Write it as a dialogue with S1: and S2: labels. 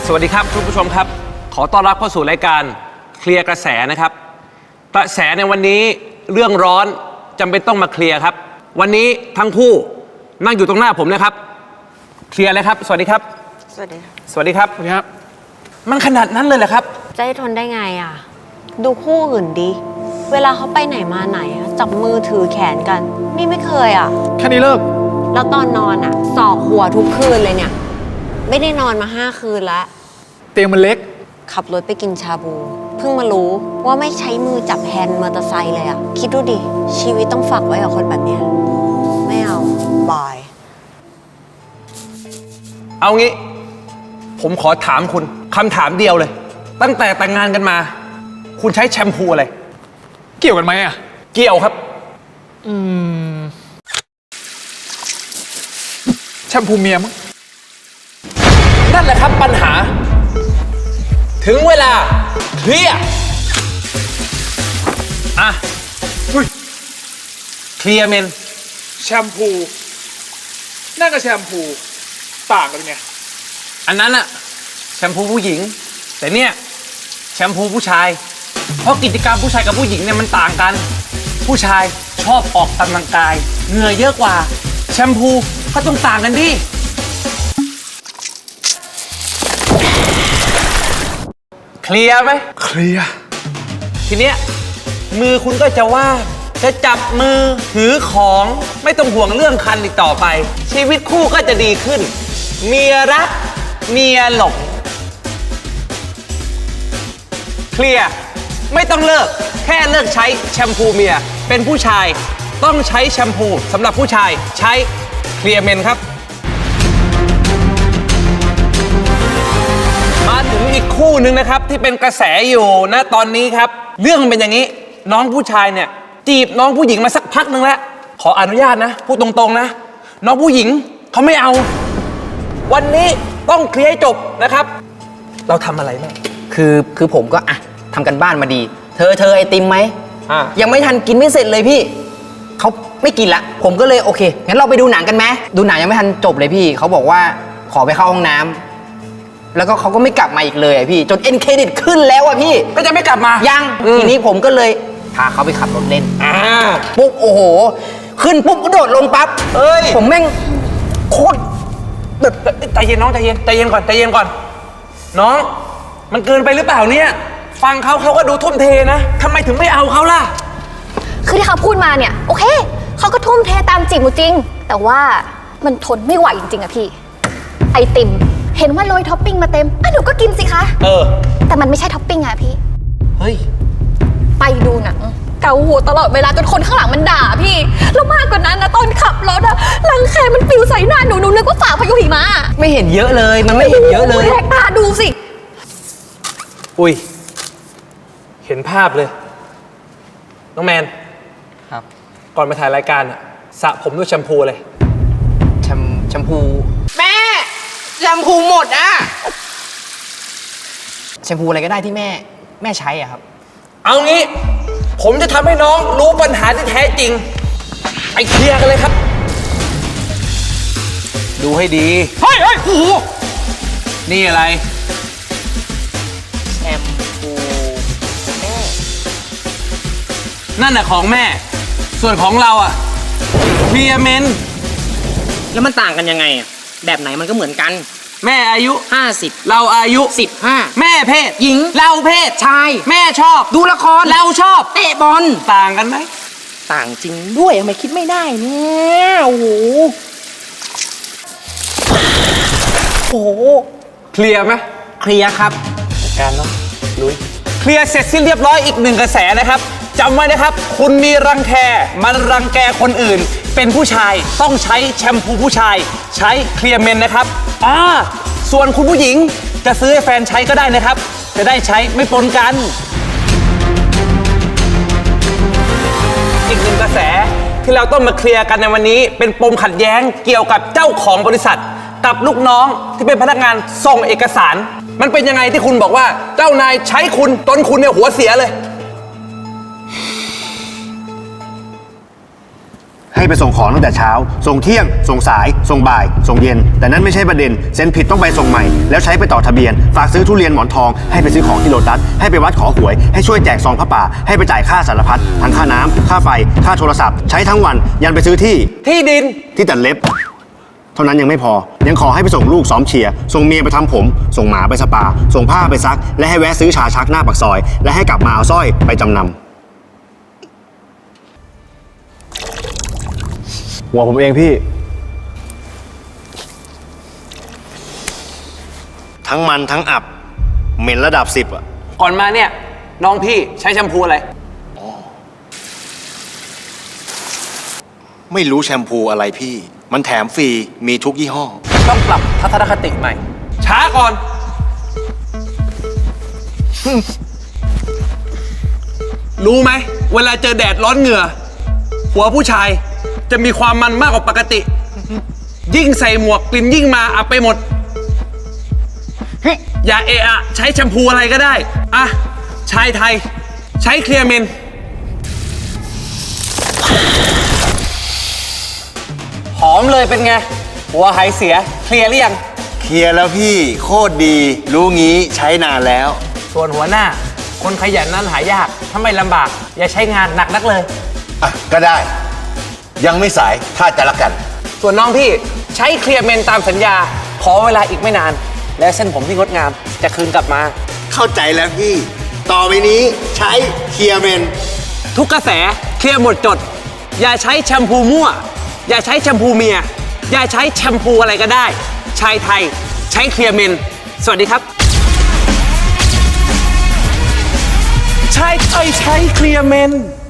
S1: สวัสดีครับคุณผู้ชมครับขอต้อนรับเข้าสู่รายการเคลียร์กระแสนะครับกระแสในวันนี้เรื่องร้อนจำเป็นต้องมาเคลียร์ครับวันนี้ทั้งคู่นั่งอยู่ตรงหน้าผมนะครับเคลียร์เลยครับสวัสดีครับ
S2: สวัสดีครับ
S1: สวัสดีครับ
S3: สวัสดีครับ
S1: มันขนาดนั้นเลยเหรอครับ
S2: จะให้ทนได้ไงอ่ะดูคู่อื่นดิเวลาเขาไปไหนมาไหนจับมือถือแขนกันนี่ไม่เคยอ่ะ
S3: แค่นี้เลิก
S2: แล้วตอนนอนอ่ะสอกหัวทุกคืนเลยเนี่ยไม่ได้นอนมา5 คืนแล้ว
S3: เตียงมันเล็ก
S2: ขับรถไปกินชาบูเพิ่งมารู้ว่าไม่ใช้มือจับแฮนด์มอเตอร์ไซค์เลยอ่ะคิดดูดิชีวิตต้องฝากไว้กับคนแบบเนี้ยไม่เอาบาย
S1: เอางี้ผมขอถามคุณคำถามเดียวเลยตั้งแต่แต่งงานกันมาคุณใช้แชมพูอะไร
S3: เกี่ยวกันไหมอ่ะ
S1: เกี่ยวครับ
S3: แชมพูเมียมั้ง
S1: นั่นแหละครับปัญหาถึงเวลาเคลียร์อ่ะเคลียร์เมน
S3: แชมพูนั่นกับแชมพูต่างกันไง
S1: อันนั้นอะแชมพูผู้หญิงแต่เนี่ยแชมพูผู้ชายเพราะกิจกรรมผู้ชายกับผู้หญิงเนี่ยมันต่างกันผู้ชายชอบออกกำลังกายเหงื่อเยอะกว่าแชมพูก็ต้องต่างกันดิเคลียร์ไหม
S3: เคลียร์
S1: ทีเนี้ยมือคุณก็จะว่างจะจับมือถือของไม่ต้องห่วงเรื่องคันอีกต่อไปชีวิตคู่ก็จะดีขึ้นเมียรักเมียหลงเคลียร์ไม่ต้องเลิกแค่เลิกใช้แชมพูเมียเป็นผู้ชายต้องใช้แชมพูสำหรับผู้ชายใช้เคลียร์เมนครับมาถึงอีกคู่หนึ่งนะครับที่เป็นกระแสอยู่นะตอนนี้ครับเรื่องมันเป็นอย่างนี้น้องผู้ชายเนี่ยจีบน้องผู้หญิงมาสักพักหนึ่งแล้วขออนุญาตนะพูดตรงๆนะน้องผู้หญิงเขาไม่เอาวันนี้ต้องเคลียร์ให้จบนะครับเราทำอะไรบ้าง
S4: คือผมก็ทำกันบ้านมาดีเธอไอติมไหมยังไม่ทันกินไม่เสร็จเลยพี่เขาไม่กินละผมก็เลยโอเคงั้นเราไปดูหนังกันไหมดูหนังยังไม่ทันจบเลยพี่เขาบอกว่าขอไปเข้าห้องน้ำแล้วก็เขาก็ไม่กลับมาอีกเลยพี่จนเอ็นเครดิตขึ้นแล้วพี่
S1: ก็จะไม่กลับมา
S4: ยังทีนี้ผมก็เลยพาเขาไปขับรถเล่นปุ๊บโอ้โหขึ้นปุ๊บก็โดดลงปั๊บผมแม่งโคตร
S1: แบบใจเย็นน้องใจเย็นก่อนน้องมันเกินไปหรือเปล่าเนี่ยฟังเขาก็ดูทุ่มเทนะทำไมถึงไม่เอาเขาล่ะ
S5: คือที่เขาพูดมาเนี่ยโอเคเขาก็ทุ่มเทตามจีบหนูจริงแต่ว่ามันทนไม่ไหวจริงๆอะพี่ไอติมเห็นว่าโรยท็อปปิ้งมาเต็มหนูก็กินสิคะแต่มันไม่ใช่ท็อปปิ้งอะพี่
S1: เฮ้ย
S5: ไปดูหนังเกาหัวตลอดเวลาจนคนข้างหลังมันด่าพี่แล้วมากกว่านั้นนะตอนขับรถอะรังแคมันปลิวใส่หน้าหนูนึกว่าฝ่าพายุหิมะ
S4: ไม่เห็นเยอะเลยมันไม่เห็นเยอะเลย
S5: แหกตาดูสิ
S1: อุ้ยเห็นภาพเลยน้องแมน
S4: ครับ
S1: ก่อนมาถ่ายรายการอะสระผมด้วยแชมพูเลย
S4: แชมพูแม่แชมพูหมดอะแชมพูอะไรก็ได้ที่แม่ใช้อะครับ
S1: เอางี้ผมจะทำให้น้องรู้ปัญหาที่แท้จริงไปเคลียร์กันเลยครับดูให้ดี
S3: เฮ้ยโอ้โห
S1: นี่อะไร
S4: แชมพูแม่
S1: นั่นน่ะของแม่ส่วนของเราอะเคลียร์เมน
S4: แล้วมันต่างกันยังไงอะแบบไหนมันก็เหมือนกัน
S1: แม่อายุ
S4: 50
S1: เราอายุ
S4: 15
S1: แม่เพศ
S4: หญิง
S1: เราเพศ
S4: ชาย
S1: แม่ชอบ
S4: ดูละคร
S1: เราชอบ
S4: เตะบอล
S1: ต่างกันไหม
S4: ต่างจริงด้วยทำไมคิดไม่ได้เนี่ยโอ้โห
S1: เคลียร์ไหม
S4: เคลียร์ครับ
S1: การเนาะลุยเคลียร์เสร็จสิ้นเรียบร้อยอีกหนึ่งกระแสนะครับจำไว้นะครับคุณมีรังแคมันรังแกคนอื่นเป็นผู้ชายต้องใช้แชมพูผู้ชายใช้เคลียร์เมนนะครับส่วนคุณผู้หญิงจะซื้อให้แฟนใช้ก็ได้นะครับจะได้ใช้ไม่ปนกันอีกหนึ่งกระแสที่เราต้องมาเคลียร์กันในวันนี้เป็นปมขัดแย้งเกี่ยวกับเจ้าของบริษัทกับลูกน้องที่เป็นพนักงานส่งเอกสารมันเป็นยังไงที่คุณบอกว่าเจ้านายใช้คุณจนคุณเนี่ยหัวเสียเลย
S6: ให้ไปส่งของตั้งแต่เช้า ส่งเที่ยง ส่งสาย ส่งบ่าย ส่งเย็น แต่นั้นไม่ใช่ประเด็น เซ็นผิดต้องไปส่งใหม่ แล้วใช้ไปต่อทะเบียน ฝากซื้อทุเรียนหมอนทอง ให้ไปซื้อของที่โลตัส ให้ไปวัดขอหวย ให้ช่วยแจกซองผ้าป่า ให้ไปจ่ายค่าสารพัด ทั้งค่าน้ำ ค่าไฟ ค่าโทรศัพท์ ใช้ทั้งวัน ยันไปซื้อที่
S1: ที่ดิน
S6: ที่ตัดเล็บ เท่านั้นยังไม่พอ ยังขอให้ไปส่งลูกซ้อมเชียร์ ส่งเมียไปทำผม ส่งหมาไปสปา ส่งผ้าไปซัก และให้แวะซื้อชาชักหน้าปากซอย และให้กลับมาเอาสร้อยไปจำนำ หัวผมเองพี่ ทั้งมันทั้งอับ เหม็นระดับ 10 อ่ะ
S1: ก่อนมาเนี่ย น้องพี่ใช้แชมพูอะไร
S6: ไม่รู้แชมพูอะไรพี่ มันแถมฟรี มีทุกยี่ห้อ
S1: ต้องปรับทัศนคติใหม่ ช้าก่อน รู้ไหม เวลาเจอแดดร้อนเหงื่อ หัวผู้ชายจะมีความมันมากกว่าปกติ ยิ่งใส่หมวกกลิ่นยิ่งมาอับไปหมด อย่าเอะอะใช้แชมพูอะไรก็ได้ อ่ะ ชายไทย ใช้เคลียร์เมน หอมเลยเป็นไง หัวหายเสีย เคลียร์หรือยัง
S6: เคลียร์แล้วพี่โคตรดี รู้งี้ใช้นานแล้ว
S1: ส่วนหัวหน้า คนขยันนั้นหายาก ถ้าไม่ลำบาก อย่าใช้งานหนักนักเลย
S7: อ่ะ ก็ได้ ยังไม่สายถ้าจะรักกัน
S1: ส่วนน้องพี่ใช้เคลียร์เมนตามสัญญา ขอเวลาอีกไม่นาน และเส้นผมที่งดงามจะคืนกลับมา
S6: เข้าใจแล้วพี่ ต่อไปนี้ใช้เคลียร์เมน
S1: ทุกกระแสเคลียร์หมดจด อย่าใช้แชมพูมั่ว อย่าใช้แชมพูเมีย อย่าใช้แชมพูอะไรก็ได้ ชายไทยใช้เคลียร์เมน สวัสดีครับ ชายไทยใช้เคลียร์เมน